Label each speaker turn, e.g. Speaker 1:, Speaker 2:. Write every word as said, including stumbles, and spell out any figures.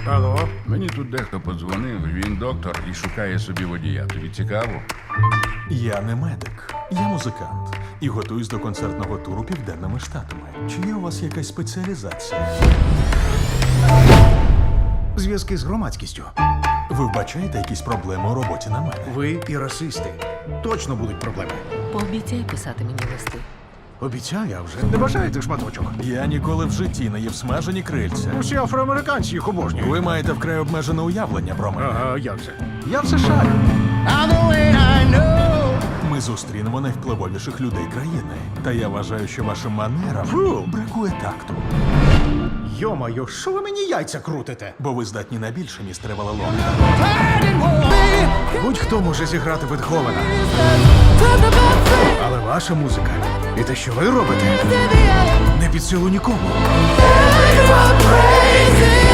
Speaker 1: Алло?
Speaker 2: Мені тут дехто подзвонив, він доктор і шукає собі водія. Тобі цікаво?
Speaker 3: Я не медик, я музикант і готуюсь до концертного туру південними штатами. Чи є у вас якась спеціалізація?
Speaker 1: Зв'язки з громадськістю.
Speaker 3: Ви вбачаєте якісь проблеми у роботі на мене?
Speaker 1: Ви і расисти. Точно будуть проблеми.
Speaker 4: Пообіцяй писати мені листи.
Speaker 1: Обіцяю, а вже. Не бажаєте шматочок?
Speaker 3: Я ніколи в житті не їв смажені крильця.
Speaker 1: Усі афроамериканці їх обожнюють.
Speaker 3: Ви маєте вкрай обмежене уявлення про мене.
Speaker 1: Ага, як це? Я в США.
Speaker 3: Ми зустрінемо найвпливовіших людей країни. Та я вважаю, що вашим манерам
Speaker 1: Фу!
Speaker 3: бракує такту.
Speaker 1: Йо-моє, що ви мені яйця крутите?
Speaker 3: Бо ви здатні на більше, містере Валалон.
Speaker 1: Будь-хто може зіграти Бетховена. Але ваша музика і те, що ви робите, не під силу нікому.